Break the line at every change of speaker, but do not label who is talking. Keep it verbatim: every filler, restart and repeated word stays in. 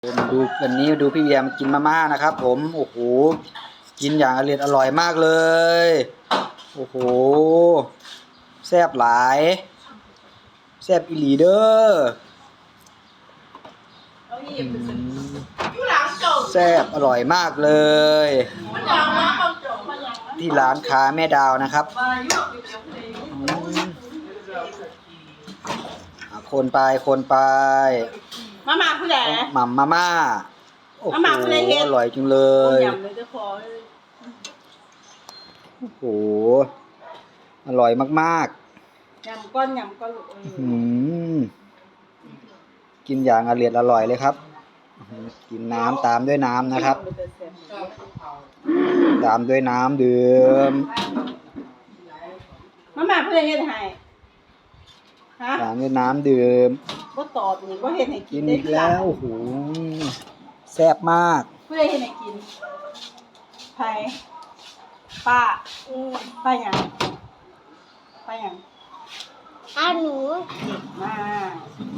มาดูวันนี้มาดูพี่เวียมกินมาม่านะครับผมโอ้โหกินอย่างอร่อยอร่อยมากเลยโอ้โหแซ่บหลายแซ่บอีหลีเด้อแซ่บอร่อยมากเลยที่ร้านค้าแม่ดาวนะครับคนไปคนไป
มาม่าผู้ใด
หม่ำมาม่าโอ้โหอร่อยจังเลยโอ้โหอร่อยมาก
ๆยำก้อนยำก้อนลูก
อืมกินอย่างอร่อยอร่อยเลยครับกินน้ำตามด้วยน้ำนะครับตามด้วยน้ำดื่ม
มาม่าผู้ใดเฮ็ดให้ฮะ
ตามด้วยน้ำดื่ม
บ่ตอบนี่บ่เฮ็ดให้กิ
กิ
น
นอีกแล้วโอ้โหแซ่บมาก
ผู้ใดเฮ็ดให้กินไผป้าอือป้าหยังป้าหยัง
อาหนู
มา